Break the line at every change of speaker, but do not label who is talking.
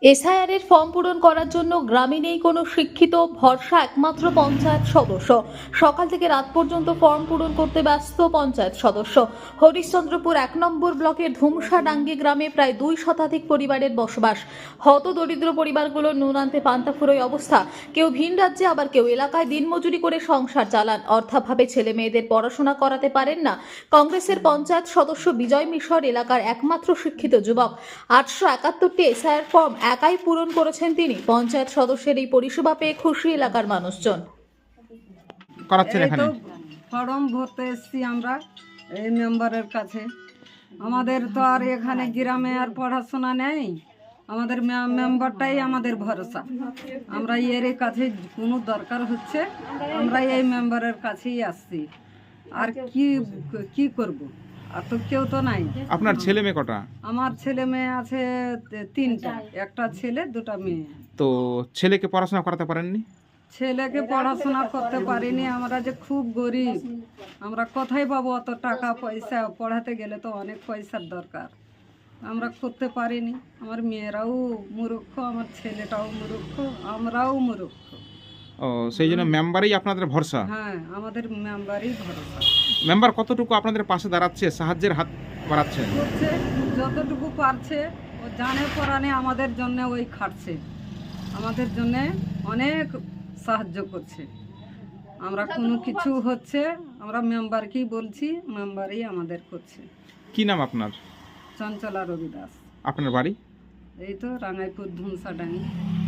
SIR এর form পূরণ করার জন্য গ্রামে নেই কোনো শিক্ষিত, ভরসা একমাত্র পঞ্চায়েত সদস্য। সকাল থেকে রাত পর্যন্ত ফর্ম পূরণ করতে ব্যস্ত পঞ্চায়েত সদস্য। হরিশ্চন্দ্রপুর ১ নম্বর ব্লকের ধুমসাডাঙ্গি গ্রামে প্রায় ২ শতাধিক পরিবারের বসবাস। হত দরিদ্র পরিবারগুলোর নুন আনতে পান্তা ফুরোয় অবস্থা। কেউ ভিন রাজ্যে, আবার কেউ এলাকায় দিনমজুরি করে সংসার চালান। অর্থাভাবে ছেলে মেয়েদের পড়াশোনা করাতে পারেন না। কংগ্রেসের পঞ্চায়েত সদস্য বিজয় মিশর এলাকার একমাত্র শিক্ষিত যুবক। ৮৭১টি এসআইআর ফর্ম একাই পূরণ করেছেন তিনি। পঞ্চায়েত সদস্যের এই পরিষেবা পেয়ে খুশি এলাকার মানুষজন।
করাচ্ছেন
এই
এখানে?
তো ফর্ম ভরতে এসছি আমরা এই মেম্বারের কাছে। আমাদের তো আর এখানে গ্রামে আর পড়াশোনা নেই, আমাদের মেম্বারটাই আমাদের ভরসা। আমরা এর কাছে কোনো দরকার হচ্ছে আমরা এই মেম্বারের কাছেই আসছি। আর কি করব, আর তো কেউ তো নাই।
আপনার ছেলে মেয়ে কটা?
আমার ছেলে মেয়ে আছে 3টা, একটা ছেলে 2টা মেয়ে।
তো ছেলেকে পড়াশোনা করাতে পারেননি?
ছেলেকে পড়াশোনা করতে পারিনি, আমরা যে খুব গরিব, আমরা কোথায় পাবো অত টাকা পয়সা? পড়াতে গেলে তো অনেক পয়সার দরকার, আমরা করতে পারিনি। আমার মেয়েরাও মূর্খ, আমার ছেলেটাও মূর্খ, আমরাও মূর্খ।
ও, সেই জন্য মেম্বারই আপনাদের ভরসা?
হ্যাঁ, আমাদের মেম্বারই ভরসা।
মেম্বার কতটুকু আপনাদের পাশে দাঁড়াচ্ছে, সাহায্যের হাত বাড়াচ্ছেন?
করছে যতটুকু পারছে, ও জানে পরানে আমাদের জন্য ওই খাটছে, আমাদের জন্য অনেক সাহায্য করছে। আমরা কোনো কিছু হচ্ছে আমরা মেম্বারকেই বলছি, মেম্বারই আমাদের করছে।
কি নাম আপনার?
চঞ্চলা রবি দাস।
আপনার বাড়ি?
এই তো রাঙ্গাইপুর ধুমসাডাঙ্গি।